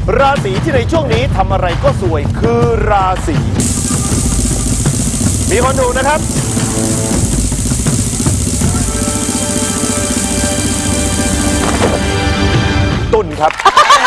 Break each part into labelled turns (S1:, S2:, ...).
S1: ราศีที่ในช่วงนี้ทำอะไรก็สวยคือราศีมีคนถูกนะครับตุลครับ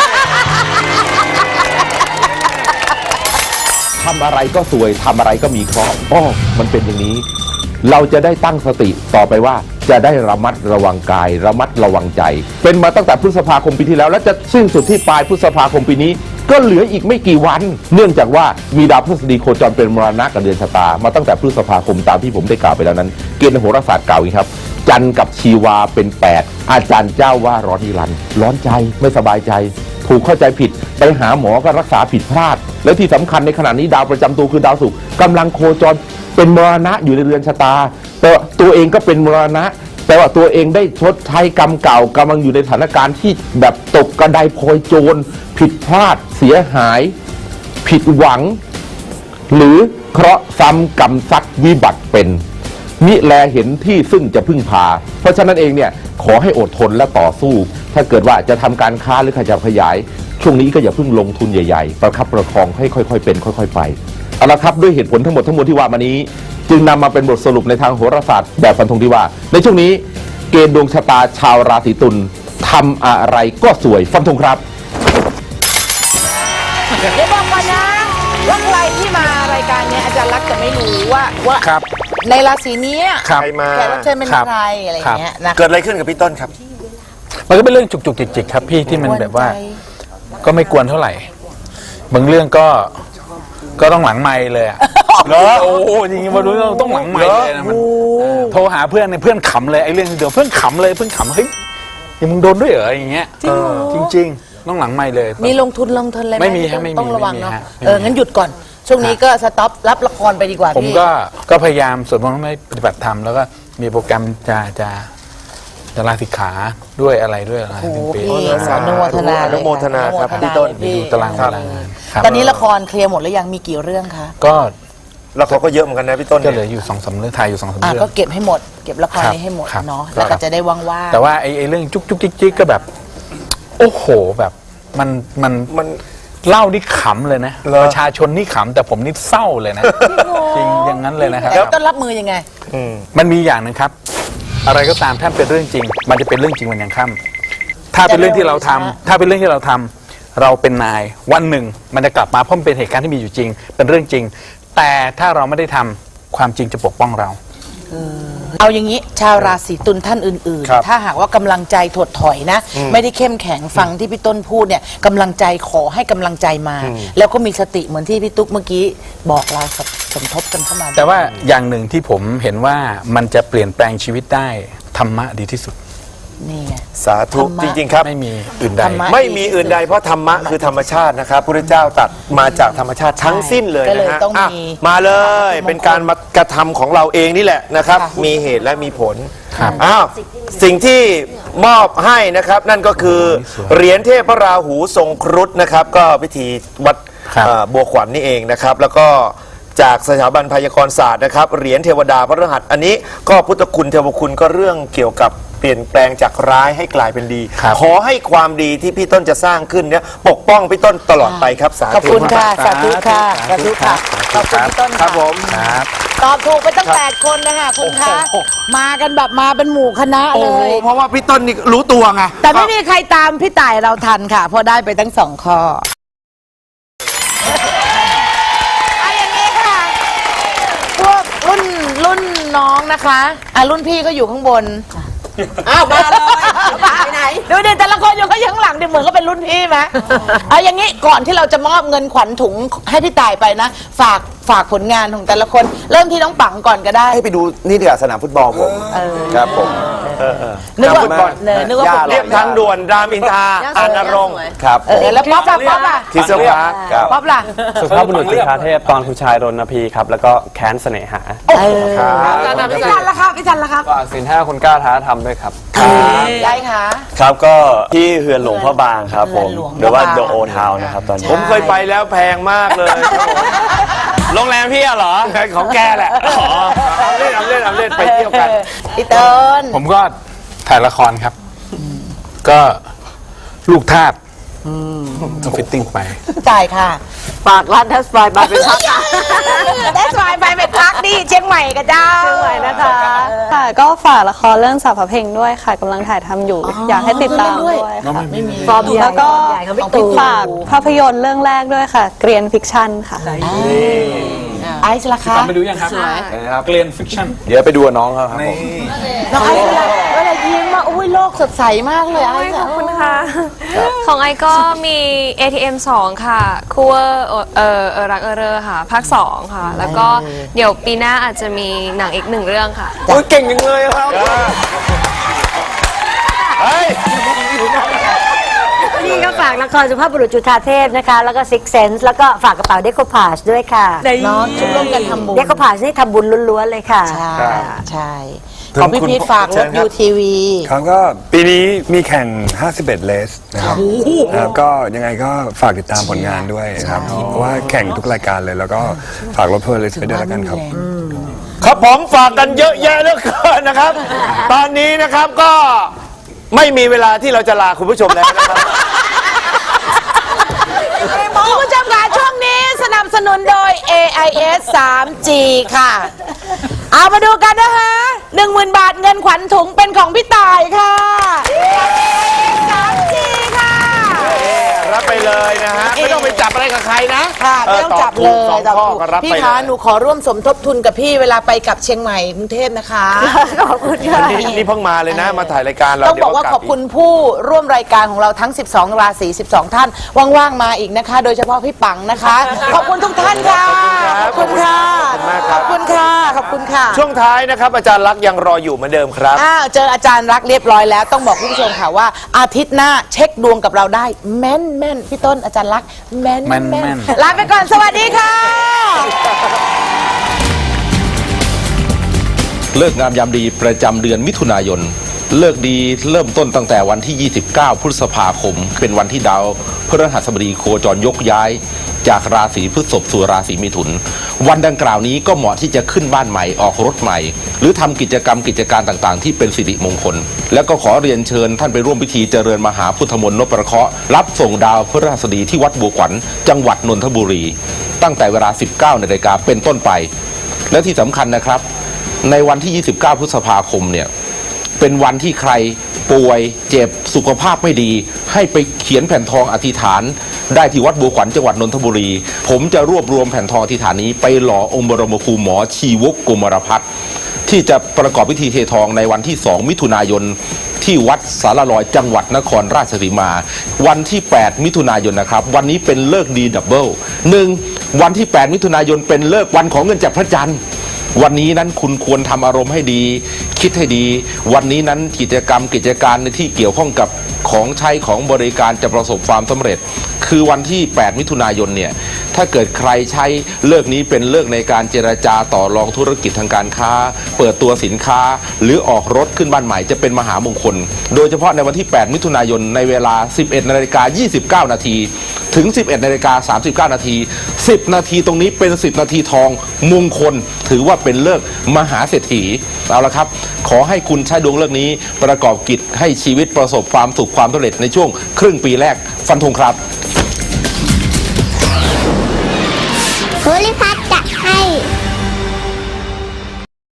S2: ทำอะไรก็สวยทำอะไรก็มีเคราะห์มันเป็นอย่างนี้ เราจะได้ตั้งสติต่อไปว่าจะได้ระมัดระวังกายระมัดระวังใจ เป็นมาตั้งแต่พฤษภาคมปีที่แล้วและจะสิ้นสุดที่ปลายพฤษภาคมปีนี้ก็เหลืออีกไม่กี่วัน เนื่องจากว่ามีดาวพฤหัสบดีโคจรเป็นมรณะกับเดือนชะตามาตั้งแต่พฤษภาคมตามที่ผมได้กล่าวไปแล้วนั้นเกณฑ์โหราศาสตร์กล่าวอย่างนี้ครับจันทร์กับชีวาเป็น8อาจารย์เจ้าว่าร้อนนิรันดร์ร้อนใจไม่สบายใจถูกเข้าใจผิดไปหาหมอก็รักษาผิดพลาดแล้วที่สำคัญในขณะนี้ดาวประจำตัวคือดาวศุกร์กำลังโคจรเป็นมรณะอยู่ในเรือนชะตาแต่ตัวเองก็เป็นมรณะแต่ว่าตัวเองได้ชดใช้กรรมเก่ากำลังอยู่ในสถานการณ์ที่แบบตกกระไดพลอยโจรผิดพลาดเสียหายผิดหวังหรือเคราะห์ซ้ำกรรมซัดวิบัติเป็นมิแลเห็นที่ซึ่งจะพึ่งพาเพราะฉะนั้นเองเนี่ยขอให้อดทนและต่อสู้ถ้าเกิดว่าจะทำการค้าหรือขยับขยายช่วงนี้ก็อย่าเพิ่งลงทุนใหญ่ๆประคับประคองให้ค่อยๆเป็นค่อยๆไปเอาละครับด้วยเหตุผลทั้งหมดที่ว่ามานี้จึงนำมาเป็นบทสรุปในทางโหราศาสตร์แบบฟันธงที่ว่าในช่วงนี้เกณฑ์ดวงชะตาชาวราศีตุลทำอะไรก็สวยฟันธงครับ
S3: เดี๋ยวบอกก่อนนะว่าใครที่มารายการเนี้ยอาจารย์รักจะไม่รู้ว่า
S4: ครับ
S3: ในราศีนี้
S1: ใครมา
S3: แขกรับเชิญเป็นใครอะไรอย่างเงี้ยนะ
S1: เกิดอะไรขึ้นกับพี่ต้นครับ
S4: มันก็เป็นเรื่องจุกๆจิกๆครับพี่ที่มันแบบว่าก็ไม่กวนเท่าไหร่บางเรื่องก็ต้องหลังไมค์เลยอะเหรอโอ้โหจริงๆมาดูต้องหลังไมค์เลยนะมันโทรหาเพื่อนเนี่ยเพื่อนขำเลยไอ้เรื่องเดี๋ยวเพื่อนขำเลยเพื่อนขำเฮ้ยยังมึงโดนด้วยเหรออย่างเงี้ยจริงๆต้องหลังไมค์เลย
S3: มีลงทุนอะไรไหม
S4: ไม่มีฮะไม่มี
S3: ต้องระวังเนาะ
S4: ไม่มี
S3: งั้นหยุดก่อนช่วงนี้ก็สต็อปรับละครไปดีกว่า
S4: ผม
S3: พี่
S4: ก็พยายามสวดมนต์ให้ปฏิบัติธรรมแล้วก็มีโปรแกรมจะลาสิกขาด้วยอะไรด้วยอะไร
S3: โอ้โห
S4: เป็นปี
S3: พี่อนุโมทนา
S1: อนุโมทนาครับพี่ต้น
S4: ดูตารางเวลางานครับ
S3: ตอนนี้ละครเคลียร์หมดแล้วยังมีกี่เรื่องคะ
S4: ก็
S1: แล้วเขาก็เยอะเหมือนกันนะพี่ต้น
S4: ก็เหลืออยู่2-3เรื่องถ่ายอยู่2-3เรื่อง
S3: ก็เก็บให้หมดเก็บละครนี้ให้หมด
S4: ครับ
S3: เนาะแล้วก็จะได้ว่างๆ
S4: แต่ว่าไอ้เรื่องจุกจุกจิกก็แบบโอ้โหแบบมันเล่านี่ขำเลยนะประชาชนนี่ขำแต่ผมนี่เศร้าเลยนะจริงอย่างนั้นเลยนะครับ
S3: แล้วต้องรับมือยังไง
S4: มันมีอย่างหนึงครับ อะไรก็ตามถ้าเป็นเรื่องจริง มันจะเป็นเรื่องจริงวันยังค่ำถ้าเป็นเรื่องที่เราทำถ้าเป็นเรื่องที่เราทำเราเป็นนายวันหนึ่งมันจะกลับมาเพราะมันเป็นเหตุการณ์ที่มีอยู่จริง เป็นเรื่องจริง แต่ถ้าเราไม่ได้ทำความจริงจะปกป้องเรา
S3: เอาอย่างนี้ชาวราศีตุลท่านอื่น
S1: ครับ
S3: ๆ ถ้าหากว่ากำลังใจถดถอยนะ ไม่ได้เข้มแข็งฟังที่พี่ต้นพูดเนี่ยกำลังใจขอให้กำลังใจมา แล้วก็มีสติเหมือนที่พี่ตุ๊กเมื่อกี้บอกเราสมทบกันเข้ามา
S4: แต่ว่าอย่างหนึ่งที่ผมเห็นว่ามันจะเปลี่ยนแปลงชีวิตได้ธรรมะดีที่สุด
S3: นี่ไง
S1: สาธุ
S3: ธรรมะ
S1: จริงๆครับ
S4: ไม่มีอื่นใด
S3: ธรรมะ
S1: ไม่มีอื่นใดเพราะธรรมะคือธรรมชาตินะครับพระเจ้าตรัสมาจากธรรมชาติทั้งสิ้นเลย
S3: ก็เลย
S1: นะฮะ
S3: ต้องมี
S1: มาเลยเป็นการมากระทำของเราเองนี่แหละนะครับ
S3: ค่ะ
S1: มีเหตุและมีผล
S4: ครับ
S1: อ้าวสิ่งที่มอบให้นะครับนั่นก็คือเหรียญเทพพระราหูทรงครุฑนะครับ ก็พิธีวัด
S4: ครับ
S1: บัวขวัญนี่เองนะครับ แล้วก็จากสถาบันพยากรศาสตร์นะครับเหรียญเทวดาพระรหัสอันนี้ก็พุทธคุณเทวคุณก็เรื่องเกี่ยวกับเปลี่ยนแปลงจากร้ายให้กลายเป็นดี
S4: ครับ
S1: ขอให้ความดีที่พี่ต้นจะสร้างขึ้นเนี่ยปกป้องพี่ต้นตลอดไปครับสาธุ
S3: ขอบคุณค่ะสาธุค่ะสาธุค่ะขอบคุณพี่ต้น
S1: ครับผม
S4: ครับ
S3: ตอบถูกไปตั้ง8 คนนะคะคุณคะมากันแบบมาเป็นหมู่คณะ
S1: โอ้
S3: เล
S1: โห
S3: ย
S1: เพราะว่าพี่ต้นนี่รู้ตัวไง
S3: แต่ไม่มีใครตามพี่ต่ายเราทันค่ะเพราะได้ไปทั้ง2 ข้อเอาอย่างนี้ค่ะ พวกรุ่นน้องนะคะรุ่นพี่ก็อยู่ข้างบนอ้าวมาเลยไปไหนดูดิแต่ละคนอยู่ก็ยังหลังดิเหมือนก็เป็นรุ่นพี่ไหมเอาอย่างนี้ก่อนที่เราจะมอบเงินขวัญถุงให้พี่ต่ายไปนะฝากผลงานของแต่ละคนเริ่มที่น้องปังก่อนก็ได้
S5: ให้ไปดูนี่ดีกว่าสนามฟุตบอลผมครับผม
S3: นึกว่า
S1: ฟุตบอล
S3: นึกว่า
S1: เรียบทางด่วนรามอินทราอาณารงค์
S5: ครับ
S3: แล้วป๊อปล่ะ
S1: ที่สภา
S5: ครับ
S3: ป๊อปล่ะ
S6: สุภาพบุรุษจุฑาเทพตอนคุณชายรณพีครับ แล้วก็แค้นเสน่หา
S3: พี่จันละครับพี่จันละครับ
S6: ฝากสินห้าคนกล้าท้าทำด้วยครับ
S3: ได้ค่ะ
S7: ครับก็ที่เฮือนหลวงพ่อบางครับผม
S3: เฮือนหลวง
S7: หรือว่า
S3: พ่อบาง
S7: The Old Town นะครับตอนนี้
S1: ผมเคยไปแล้วแพงมากเลยครับผม
S7: โรงแรมพี่อะเหรอ
S1: ของแกแหละเอาเล่นไปเที่ยวกัน
S3: พี่เติ้ล
S4: ผมก็ถ่ายละครครับ ก็ลูกทาสต้องฟิตติ้งไป
S3: จ่ายค่ะ
S8: ฝากร้านแทสไฟบาร์เป็นพัก
S3: ได้สบายไปเป็นพักดิเชียงใหม่กับเจ้า
S8: เชียงใหม่นะคะค่ะก็ฝากละครเรื่องสาวพระเพลงด้วยค่ะกำลังถ่ายทำอยู่ อยากให้ติดตามด้วยค่ะ
S3: ฟอร์มใหญ่
S8: แล้วก็
S3: ใหญ่ของพี่ตู่
S8: ฝากภาพยนตร์เรื่องแรกด้วยค่ะ เกรียนฟิกชั่นค่ะ
S3: ไอซ์ล่ะคะ
S4: ไปดูยังครับเกลียนฟิกชั่น
S5: เดี๋ยวไปดูกับน้องเขาครับผม
S3: น้องไอซ์เวลายิ้มมาอุ้ยโลกสดใสมากเลยไอซ์
S9: ขอบคุณค่ะ ของไอก็มี ATM 2 ค่ะ คู่รักเรอค่ะ ภาค 2 ค่ะ แล้วก็เดี๋ยวปีหน้าอาจจะมีหนังอีก1 เรื่องค่ะ
S5: โอ้ยเก่งจังเลยครับ
S1: เฮ้ย
S8: นี่ก็ฝากละครสุภาพบุรุษจุฑาเทพนะคะ แล้วก็ Six Sense แล้วก็ฝากกระเป๋าเดโคพาชด้วยค่ะ
S3: เนาะช่วยร่วมกันทำบุญ
S8: เดโคพาชนี่ทำบุญล้วนๆเลยค่ะ
S3: ใช่ใช่ของพี่พีทฝากรถยูทีวี
S10: ครับก็ปีนี้มีแข่ง 51 เลสนะครับก็ยังไงก็ฝากติดตามผลงานด้วยครับ เพราะว่าแข่งทุกรายการเลย แล้วก็ฝากรถเพลินเลสไปด้วยแล้วกันครับ
S1: ครับผมฝากกันเยอะแยะเหลือเกินนะครับ ตอนนี้นะครับก็ไม่มีเวลาที่เราจะลาคุณผู้ชมแล้วนะครับ
S3: คุณผู้ชมค่ะช่วงนี้สนับสนุนโดย AIS 3G ค่ะ เอามาดูกันนะคะ 10,000 บาทเงินขวัญถุงเป็นของพี่ต่ายค่ะ 3G ค่ะ
S1: รับไปเลยนะฮะ ไม่ต้องไปจับอะไรกับใครนะ
S3: ค่ะไม่ต้องจับเลย
S1: ตอบถูก2 ข้อก็รับ
S3: พี่
S1: ไปเล
S3: คะ
S1: ย
S3: หนูขอร่วมสมทบทุนกับพี่เวลาไปกับเชียงใหม่กรุงเทพนะคะ
S8: ขอบคุณค่ะ
S1: นี่เพิ่งมาเลยนะ มาถ่ายรายการเรา
S3: ต้องบอกว่าขอบคุณผู้ร่วมรายการของเราทั้ง 12 ราศี 12 ท่าน ว่างๆ มาอีกนะคะ โดยเฉพาะพี่ปังนะคะ ขอบคุณทุกท่านค่ะ ขอบคุณค่ะ ขอบคุณค่ะ ขอบคุณค่ะ
S1: ช่วงท้ายนะครับ อาจารย์ลักษณ์ยังรออยู่เหมือนเดิมครับ
S3: เจออาจารย์รักเรียบร้อยแล้วต้องบอกคุณผู้ชมค่ะว่าอาทิตย์หน้าเช็คดวงกับเราได้แม่นแม่นพี่ต้นอาจารย์รักแม่น
S4: แม่น
S3: แม่น
S4: แม่น
S3: ลาไปก่อนสวัสดีค่ะ
S2: เลิกงามยามดีประจำเดือนมิถุนายน เลิกดีเริ่มต้นตั้งแต่วันที่ 29 พฤษภาคม เป็นวันที่ดาวพฤหัสบดีโคจรยกย้าย จากราศีพฤษภสู่ราศีมิถุน วันดังกล่าวนี้ก็เหมาะที่จะขึ้นบ้านใหม่ออกรถใหม่ หรือทำกิจการต่างๆ ที่เป็นสิริมงคล แล้วก็ขอเรียนเชิญท่านไปร่วมพิธีเจริญมหาพุทธมนต์นพประเคราะห์รับส่งดาวพฤหัสบดีที่วัดบัวขวัญจังหวัดนนทบุรี ตั้งแต่เวลา 19 นาฬิกาเป็นต้นไป และที่สำคัญนะครับ ในวันที่ 29 พฤษภาคมเนี่ย เป็นวันที่ใครป่วยเจ็บสุขภาพไม่ดี ให้ไปเขียนแผ่นทองอธิษฐาน ได้ที่วัดบัวขวัญจังหวัดนนทบุรี ผมจะรวบรวมแผ่นทองอธิษฐานนี้ไปหล่อองค์บรมครูหมอชีวกกุมารพัฒน์ที่จะประกอบพิธีเททองในวันที่ 2 มิถุนายนที่วัดสารลอยจังหวัดนครราชสีมา วันที่ 8 มิถุนายนนะครับวันนี้เป็นเลิกดีดับเบิล1วันที่ 8 มิถุนายนเป็นเลิกวันของเงินจากพระจันทร์วันนี้นั้นคุณควรทำอารมณ์ให้ดี คิดให้ดี วันนี้นั้นกิจการในที่เกี่ยวข้องกับของใช้ของบริการจะประสบความสำเร็จ คือวันที่ 8 มิถุนายนเนี่ยถ้าเกิดใครใช้เลิกนี้เป็นเลิกในการเจรจาต่อรองธุรกิจทางการค้า เปิดตัวสินค้า หรือออกรถขึ้นบ้านใหม่จะเป็นมหามงคล โดยเฉพาะในวันที่ 8 มิถุนายนในเวลา 11:29 นาทีถึง 11:39 นาที10 นาทีตรงนี้เป็น10 นาทีทองมงคลถือว่าเป็นเลิกมหาเศรษฐีเอาละครับขอให้คุณใช้ดวงเลิกนี้ประกอบกิจให้ชีวิตประสบความสุขความสำเร็จในช่วงครึ่งปีแรกฟันธงครับ